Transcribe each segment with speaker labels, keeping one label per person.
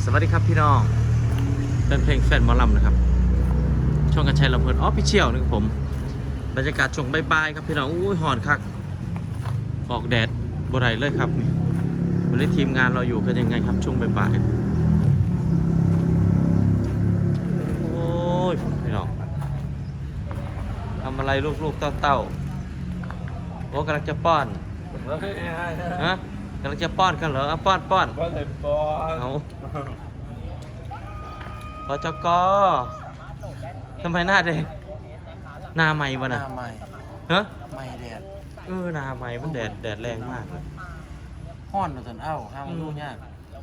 Speaker 1: สวัสดีครับพี่น้องเป็นเพลงแฟนหมอลำนะครับช่องกระชัยลำเพลินออฟฟิเชียลนะครับผมบรรยากาศช่วงบ่ายๆครับพี่น้องอุ้ยหอนคักออกแดดบ่ไรเลยครับวันนี้ทีมงานเราอยู่กันยังไงครับช่วงบ่ายๆโอ้ยพี่น้องทำอะไรลูกๆเต้าๆโอ้กำลังจะป้อนฮะกำลังจะป้อนกันเหรอป้อนเอาปจกทำไมหน้าแดงหน้าใหม่วะ
Speaker 2: ห
Speaker 1: น่ะ
Speaker 2: น้าใหม่
Speaker 1: ฮะ
Speaker 2: ใหม่แดด
Speaker 1: หน้าใหม่มันแดดแรงมากเลย
Speaker 2: ห้อนมาจนเอ้าห้ามรู้ยาก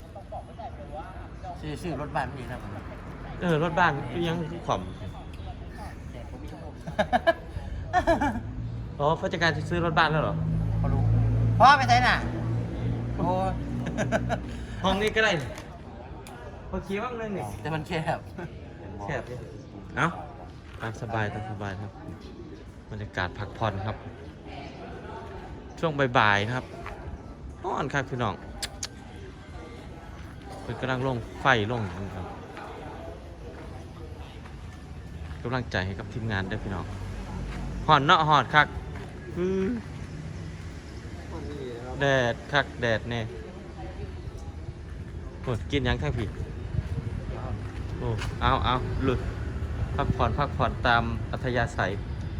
Speaker 2: ชื่อรถบ้านมีนะผม
Speaker 1: รถบ้านยังขวำผู้จัดการจะซื้อรถบ้านแล้วเหรอ
Speaker 2: พอรู้พ่อไปไหนน่ะโอ้
Speaker 1: ห้องนี้ก็ได้พอขี่บ้างเลยนี่
Speaker 2: แต่มันแคบ
Speaker 1: แคบดิเอ้าตามสบายครับบรรยากาศพักผ่อนครับ ช่วงบ่ายๆนะครับร้อนครับพี่น้องเป็นกำลังลงไฟลงครับกำลังใจให้กับทีมงานด้วยพี่น้องหอนเนาะหอนคักแดดคักแดดเนี่ยโอ้กินยังทั้งพี่โอ้เอาหลุดพักผ่อนตามอัธยาศัย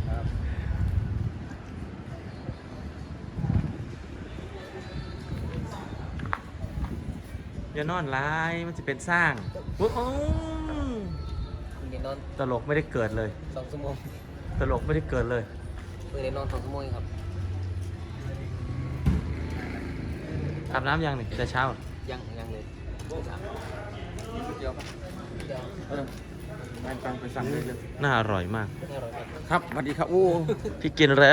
Speaker 1: อย่านอนร้ายมันจะเป็นสร้างโอ้โห
Speaker 3: เรียนนอน
Speaker 1: ตลกไม่ได้เกิดเลย
Speaker 3: 2 ชั่วโมง
Speaker 1: ตลกไม่ได้เกิดเลย
Speaker 3: เรียนนอน2 ชั่วโมงครับ
Speaker 1: อาบน้ำยังนี่แต่เช้า
Speaker 3: ยังเลยเดี๋ยว
Speaker 2: ฟังไปสั่งเลย
Speaker 1: น่าอร่อยมาก
Speaker 3: ไม่อร่อยครับ
Speaker 2: ครับสวัสดีครับโอ้
Speaker 1: พี่กินแล้ว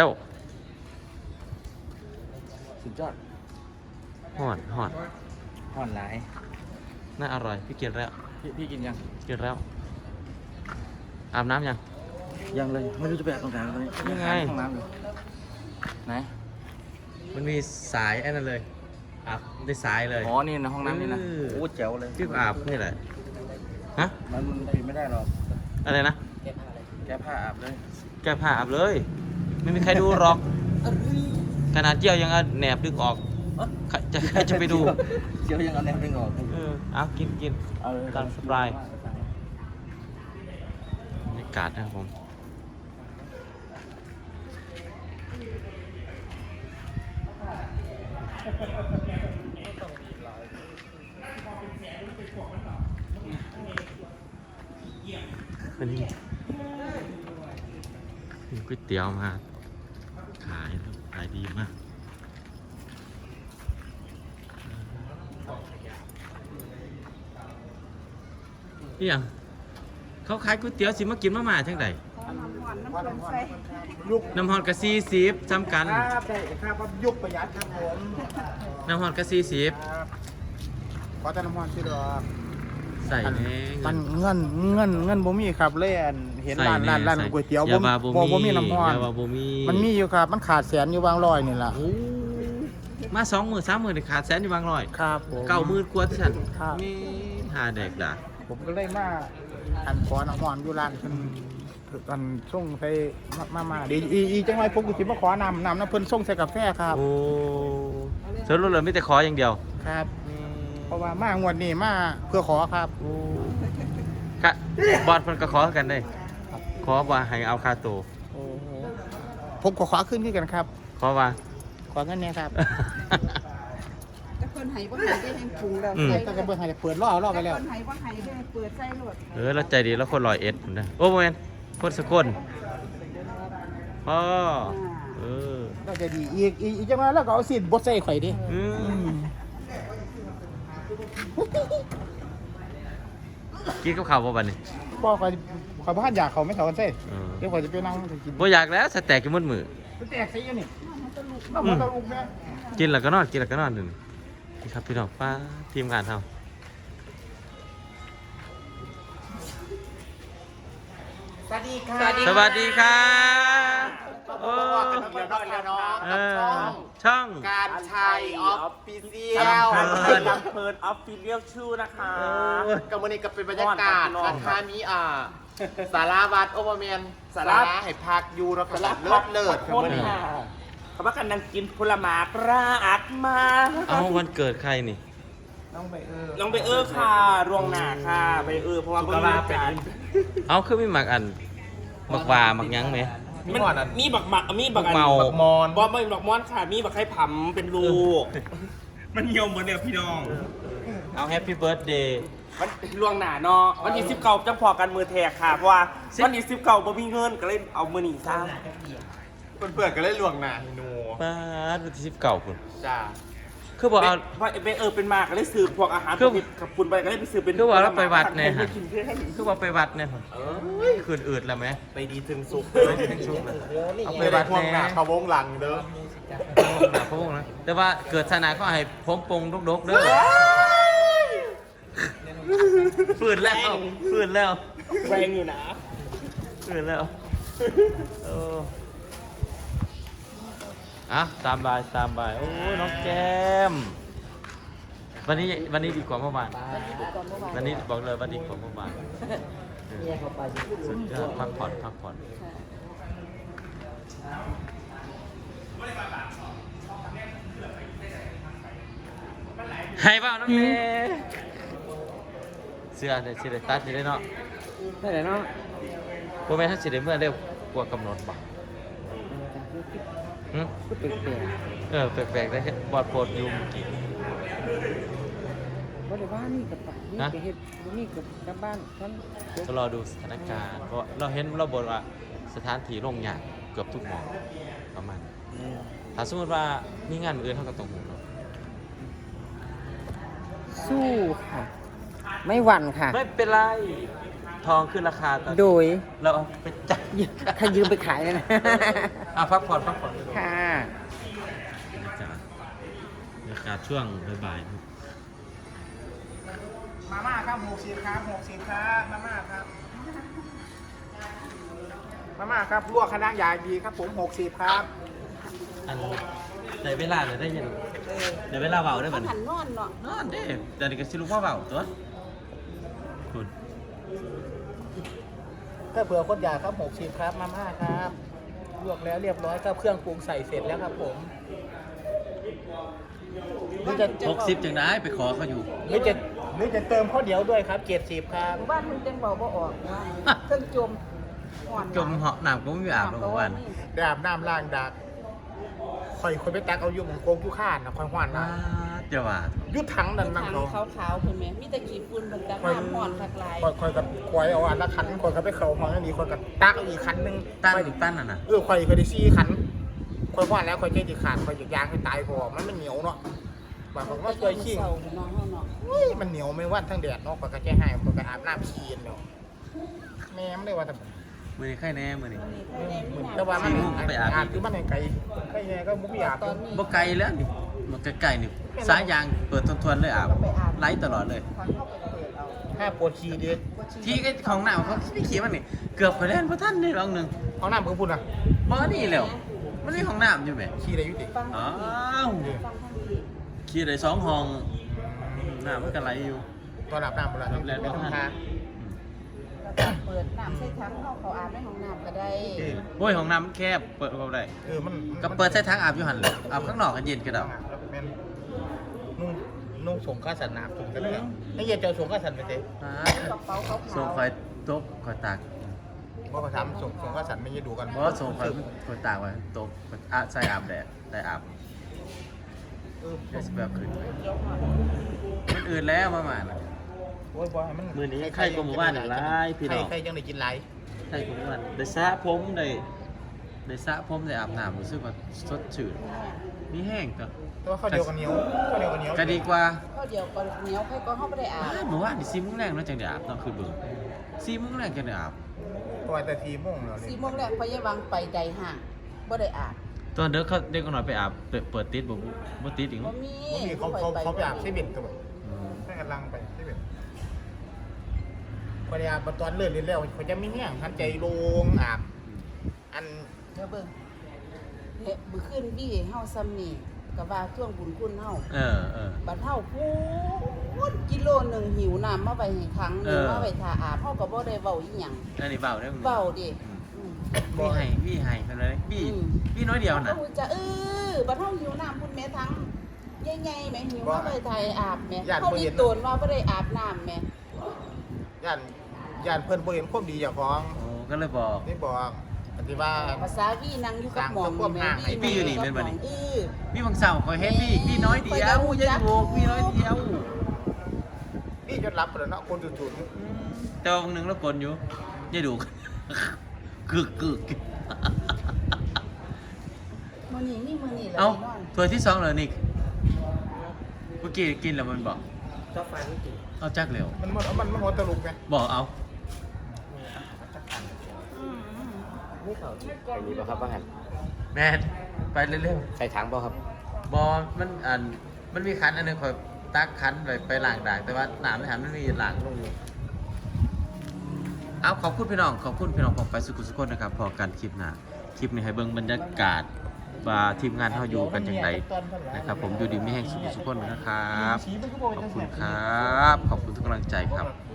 Speaker 2: สุดยอด
Speaker 1: หอน
Speaker 2: ห้อนหลาย
Speaker 1: น่าอร่อยพี่กินแล้ว
Speaker 2: พี่กินยัง
Speaker 1: กินแล้วอาบน้ำยัง
Speaker 2: ยังเลยไม่รู้จะไปอาบตรงไหนตอนนี้
Speaker 1: ยังไง
Speaker 2: ห้องน้ำอยู่ไหน
Speaker 1: มันมีสายไอ้นั่นเลยอาบได้สายเลย
Speaker 2: อ๋อนี่ในห้องน้ำนี่นะ
Speaker 1: เออ
Speaker 2: โอ้แจ๋วเลย
Speaker 1: ที่อาบนี่แหละฮะ
Speaker 2: มันปิดไม่ได้หรอก
Speaker 1: อะไรนะ
Speaker 3: แก้ผ้าอะไร
Speaker 2: แก้ผ้าอาบเลย
Speaker 1: แก้ผ้าอาบเลย ไม่มีใครดูหรอกขนาดเจียวยังเอาแหนบดึงออกใครจะไปดู
Speaker 2: เจียวยังเอาแนวดึงออก
Speaker 1: เอากิน
Speaker 2: เอาเลย
Speaker 1: ตามสบาย บรรยากาศนะครับผมวันนี้มีก๋วยเตี๋ยวมาขายครับขายดีมากนี่ยังเขาขายก๋วยเตี๋ยวสิมากินมาม่าจังไดน้ำฮอนกะ40จำกัน
Speaker 2: ครับได้ครับยุคประหยัดครับผม
Speaker 1: น้ำฮอนกะ40
Speaker 2: ขอแต่น้ำมันสิดอก
Speaker 1: ใส่แน่
Speaker 2: มันเงินบ่มีครับเลยอันเห็นร้านก๋วยเตี๋ยว
Speaker 1: อย่าว่า
Speaker 2: บ่มีน้ำมัน
Speaker 1: อย่าว่าบ่มี
Speaker 2: มันมีอยู่ครับมันขาดแสนอยู่บางร้อยนี่ล่ะ
Speaker 1: โอ้มา20,000 30,000นี่ขาดแสนอยู่บางร้อย
Speaker 2: ครับผม
Speaker 1: 90,000กว่าที่ฉัน
Speaker 2: ครับ
Speaker 1: มีหาแดกด่า
Speaker 2: ผมก็เลยมาอันขอน้ำมันอยู่ร้านเพิ่นอันส่งใส่มาดีอีจังไว้ผมก็สิมาขอน้ำเพิ่นส่งใส่กาแฟครับ
Speaker 1: โอ้สรุปเลยมีแต่ขออย่างเดียว
Speaker 2: ครับ เพราะว่ามางวดนี้มาเพื่อขอครับ
Speaker 1: โอ้ค่ะบอดเพิ่นก็ขอกันได้ขอว่าให้เอาค่าตัว
Speaker 2: โอ้โหผมก็ขอขึ้นกันครับ
Speaker 1: ขอว่า
Speaker 2: ขอเงินเนี่ยครับ
Speaker 4: แต่คนไหบ่ไหได้แห่งปรุงแล้ว
Speaker 1: อืม
Speaker 4: ใส่
Speaker 2: ตั้งแต่เบิ่งให้เปิดรอบไปแล้ว
Speaker 4: คนไหบ่ไหได้เปิดใส่รถ
Speaker 1: แล้วใจดีแล้วคน101พุ่นนะโอ้บ่แม่นคนสกลพ่อเออ
Speaker 2: เราจะดีอีกจังไว้แล้วก็เอาสินบดใส่ข่อยดิ
Speaker 1: อืมกินกับข้าวบ่บัดนี้
Speaker 2: พ่อข่อยบ้านอยากเขาไม่เขากันเซ่
Speaker 1: เออ
Speaker 2: เดี๋ยวข่อยจะไปนั่งกิน
Speaker 1: บ่อยากแล้วสแต็กกินหมดมื้อ
Speaker 2: แตกใส่ยังนี่น้ำมันตะลุกแม่
Speaker 1: กินแล้วก็นอนกินแล้วก็นอนนี่ครับพี่น้องป้าทีมงานเฮา
Speaker 2: สวัสดีค่ะ
Speaker 1: สวัสดีครับโอ้
Speaker 2: เรียนน้อง
Speaker 1: เออช่อง
Speaker 2: การชัยออฟฟิเชียล
Speaker 1: ลำเพลิน
Speaker 3: ลำเพลินออฟฟิเชียลชื่อนะคะ
Speaker 2: กับวันนี้ก็เป็นบรรยากาศนะคะมีสาราวัดโอเวอร์แมนสาราให้พักอยู่แล้วก็เลิศครับ
Speaker 3: คน
Speaker 2: วันนี้
Speaker 3: ค่ะเขาว่ากันนั่งกินผลไม้กระอักมา
Speaker 1: เอาวันเกิดใครนี่
Speaker 2: ต้องไป
Speaker 3: ลองไปค่ะรวงหนาค่ะไปเพราะว่าคนมีการ
Speaker 1: เอาคือไม่หมักอันหมักวาหมักยั้งไหม
Speaker 3: มันมีบักมีบักอัน
Speaker 1: เมา
Speaker 2: มอน
Speaker 3: บอไม่บักมอนค่ะมีบักไข่ผำเป็นลูกมันเหี่ยวเหมือนเดิมพี่น้อง
Speaker 1: เอาแฮปปี้เบิร์ดเดย์
Speaker 3: วันลวงหนาเนาะวันที่19จังพอกันมือแทกค่ะเพราะว่าวันที่19บ่มีเงินก็เลยเอามือหนีซ้
Speaker 2: เพื่อนๆก็เล่นลวงหนาฮิโน
Speaker 1: ป้าดวันที่19คุณ
Speaker 2: จ้า
Speaker 1: คือบอกเอา
Speaker 3: ไปเป็นมาก็เลยซื้อพวกอาหาร
Speaker 1: คือ
Speaker 3: กับปุ่นไปก็เลยไปซื้อเป็น
Speaker 1: คือว่าเราไปวัดเนี่ย
Speaker 3: ให้กินเพื่อน
Speaker 1: คือว่าไปวัดเนี่ยคืนอืดแล้วไหม
Speaker 3: ไปดีถึงสุก
Speaker 1: เอาไป
Speaker 2: ไม่
Speaker 1: วั
Speaker 2: ได้
Speaker 1: ด
Speaker 2: พวงหนา
Speaker 1: แน่
Speaker 2: เขาวงหลังเด้อ
Speaker 1: พระองค์นะแต่ว่าเกิดศาสนาก็ให้ผมปงดกๆเด้อฝืนแล้วฝืนแล้ว
Speaker 3: แรงอยู่นะ
Speaker 1: ฝืนแล้วเอออ่ะตามบายตามบายโอ้ยน้องแก้มวันนี้ดีกว่าเมื่อวานวันนี้บอกเลยว่าดีกว่าเมื่อวานสุดยอดพักผ่อนพักผ่อนให้เปล่าน้องเมย์เสื้อเนี่ยสิได้ตัดสิได้เนาะ
Speaker 3: ได้เลยเนาะ
Speaker 1: พวกแม่ถ้าสิได้เมื่อเร็วกว่ากำหนดบ่หึแปลกๆได้บอดโพดอยูเมื่อกี้
Speaker 5: บ่ได้ว่านี่กับปากนี่กับเฮ็ดนี่กับบ้านฉัน
Speaker 1: ก็รอดูสถานการณ์เพราะเราเห็นเราบอกว่าสถานที่โรงงานเกือบทุกหมองประมาณถ้าสมมติว่ามีงานมื้ออื่นเท่ากับตรงหูเนาะ
Speaker 5: สู้ค่ะ ไม่หวั่นค่ะ
Speaker 1: ไม่เป็นไรทองขึ้นราคาตอน
Speaker 5: โดย
Speaker 1: เราเอาไปจับ
Speaker 5: ถ้ายืมไปขายเลยนะ
Speaker 1: พักผ่อนพักผ่อน
Speaker 5: ค่ะ
Speaker 1: บรรยากาศช่วงบ่ายๆ
Speaker 2: มาม่าครับ60ครับ60ครับมาม่าครับมาม่าครับลวกคณะใหญ่ดีครับผม60ครับ
Speaker 1: อันในเวลาเนี่ยได้ยินในเวลาเบาได้เหมือน
Speaker 4: หันนอนเนาะ
Speaker 1: นอนเด้เดี๋ยวนี้ก็สิลูกว่าเบาตัวคุณ
Speaker 2: ก็เผื่อคนอยากครับ60ครับมาม่าครับลวกแล้วเรียบร้อยครับเครื่องปรุงใส่เสร็จแล้วครับผมหรือจะ
Speaker 1: 60จังได้ไปขอเขาอยู่
Speaker 2: หรือจะเติมข้าวเหนียวด้วยครับ70ครับ
Speaker 4: บ้านมันจังเบาบ่ออกว่าเครื่องจมห่อน
Speaker 1: จมเหาะน้ำก็ไม่มีอาบหรอกวัน
Speaker 2: ได้อาบน้ำล้างดากคอยไปตักเอาอยู่หมองโกงอยู่ข้านนะคอยหวานนะ
Speaker 1: เจ้าว่า
Speaker 2: ยุดถังนั่น
Speaker 4: ทา
Speaker 2: นั่
Speaker 4: ง
Speaker 2: งเขา
Speaker 4: ขาวๆเพิ่นแม่มีแต่ขี้ฝุ่นเพิ่นจักน้ำห่อนคักหลาย
Speaker 2: คอยกับคอยเอาอันละคันคอยกับไปเขาห้องอันนี้คอยกับตักเอาอีกคันหนึง
Speaker 1: ตั้นอีกตั้นน่ะนะ
Speaker 2: คอยได้ซี่คันคอยหวานแล้วคอยเจ๊ดีขาดคอยหยิกยางให้ตายพอมันเหนียวเนาะบางคนก็เคยขี้
Speaker 4: เศร้าเนาะเฮาเนาะ
Speaker 2: มันเหนียวไม่วันทั้งแดดเนาะคอยก็แค่ให้คอยก็อาบน้ำขี้เนาะแม่ไม่ได้ว่าแต่
Speaker 1: มือนี้ใครแน่มือนี้
Speaker 2: แต่ว่ามัน
Speaker 1: สี่โมงก็ไปอาบ
Speaker 2: อาบคือมันไกลใครแน่ก็มุกอาบ
Speaker 4: ตอนนี้
Speaker 1: บ่ไกลแล้วนี่มันใกล้ๆนี่สายยางเปิดทวนๆเลยอาบไล่ตลอดเลย
Speaker 4: ทางเข้าไปเปิดเอา
Speaker 2: ถ้าปวดขี้ดิ
Speaker 1: ที่ก็ของหนาวเขาไม่ขี่มันนี่เกือบไปเล่นพระท่านนี่ลองหนึ่ง
Speaker 2: เอาน้ำเพิ่งพูดนะ
Speaker 1: บ่นี่แล้วมันนี่ของน้ำอยู่ไหม
Speaker 2: ขี้ได้อยุติ
Speaker 4: ฟัง
Speaker 1: อ้า
Speaker 4: ทาง
Speaker 1: ว
Speaker 4: นี้ฟังทางนี้
Speaker 1: ขี่ได้2 ห้องน้ำมันก็ไหลอยู่
Speaker 2: ตอนอาบน้ำเวลา
Speaker 1: แล้ว
Speaker 2: ไม่ต้องทา
Speaker 4: เปิดน้ำใส่ถังเขาอาบในห้องน้ำก็ได้
Speaker 1: โอ้ยห้องน้ำมันแคบเปิดก็ได้
Speaker 2: มัน
Speaker 1: ก็เปิดใส่ทางอาบอยู่หันเลยอาบข้างนอกกันเย็นก็ได้
Speaker 2: เป็นนุ่งสงข้าสันน้ำถุงกันเลยนี่อย่าเจ้าสงข้าสันไปเต้
Speaker 4: กระเป๋าขาว
Speaker 1: ส่งคอยโต๊ะคอยตาก
Speaker 2: เพราะเขาทำสงข้าสันไม่ยืดดูกัน
Speaker 1: เพราะส่งคอยตากไว้โต๊ะใส่อาบแดดได้อาบเดี๋ยวสิแบบขึ้นไปมันอื่นแล้วประมาณน่ะ มื้อนี้ใครก็หมู่บ้านหลายพี่น้อง
Speaker 2: ใครยังได้กินไร
Speaker 1: ใช่ผมว่าได้สระผมได้สระผมได้อาบน้ำรู้สึกว่าสดชื่นมีแห้งตัว
Speaker 2: แต่ว่าข้าวเดียวกันเหนียวข้าวเดียวกันเหนียว
Speaker 1: ก็ดีกว่า
Speaker 4: ข้าวเดียวก็เหนียวใครก็เข้าไปได้อาบ
Speaker 1: เมื่อวานนี่4 โมงแรงเนาะจังได้อาบเนาะคือเบิ่ง4 โมงแรงจังได้อาบ
Speaker 2: ตัวแต่ทีโมงแล้ว
Speaker 4: 4 โมงแรกพยาบาลไปใดห่างบ่ได้อาบ
Speaker 1: ตอนเด็กเขาเด็กก็น้อยไปอาบเปิดติดบ่ติดอีก
Speaker 4: บ่
Speaker 1: เนาะ
Speaker 4: มี
Speaker 2: เขาไปอาบใช้เบ็ดตัว
Speaker 1: อืม
Speaker 2: ให้กำลังไปใช้เบ็ดพอได้อาบตอนเลื่อนเรียนแล้วเขาจะไม่แห้งทันใจลงอาบอัน
Speaker 4: เดี๋ยวเบิ่งเนี่ยมื้อคืนบี้เฮาซ้ำนี่ก็ว่าท่วงบุญคุณเฮา
Speaker 1: เออ
Speaker 4: บัดเฮาพูดกิโลหนึงหิวน้ำมาไว้ให้ครั้งหนึงมาไว้ท่าอาบเฮาก็บ่ได้เว้าอีหยัง
Speaker 1: อันนี้เบาได้อ
Speaker 4: เว้าดิอืม
Speaker 1: พี่ให้เพิ่นเลยพี่น้อยเดียวน่ะ
Speaker 4: เฮาจะบัดเฮาหิวน้ำพุ่นแม่ทั้งใหญ่ๆแม่หิวมาไว้ท่าอาบแม่เฮานี่โตนว่าบ่ได้อาบน้ำแม่
Speaker 2: ย่านเพิ่นบ่เห็นความดีเจ้าของ
Speaker 1: โอ้ก็เลยบอก
Speaker 2: นี่บอกปฏิว่า
Speaker 4: ภาษาวี่นั่งอยู่กับหมอง
Speaker 1: พี่อยู่นี่แม่นบ่นี่
Speaker 4: เออ
Speaker 1: พี่บางเสาคอยเฮ็ดพี่น้อยเดียวอย่าถูกพี่น้อยเดียว
Speaker 2: นี่จนรับแล้วเนาะคนจุด
Speaker 1: แต่ว่าบางนึงแล้วกลอยู่อย่าดู กึก
Speaker 4: มื้อนี้มีมื้อนี้แหละ
Speaker 1: เอ้า
Speaker 4: พี่น้อง
Speaker 1: ถ้วยที่2เหรอนิกเมื่อกี้กินแล้วมันบอก
Speaker 3: เจ้าไฟไม่กิน
Speaker 1: เอาจักเร็ว
Speaker 2: มันหัวตลุกไง
Speaker 1: บอกเอา
Speaker 3: ไม่เขาไปนี่ป่ะครับว่าหัน
Speaker 1: แม่ไปเร็ว
Speaker 3: ใส่ถังป่ะครับ
Speaker 1: ๆบอมันมีคันอันนึงคอยตักคันไปล้างด่างแต่ว่าน้ำในหันมันมีล้างลงอยู่เอาขอบคุณพี่น้องของไปสุขุสุขคนนะครับพอกันคลิปหน้าคลิปนี้ให้เบิ่งบรรยากาศว่าทีมงานเฮาอยู่กันจังไดนะครับผมอยู่ดีมีแห่งสุขุสุขคนนะครับขอบคุณครับขอบคุณทุกกำลังใจครับ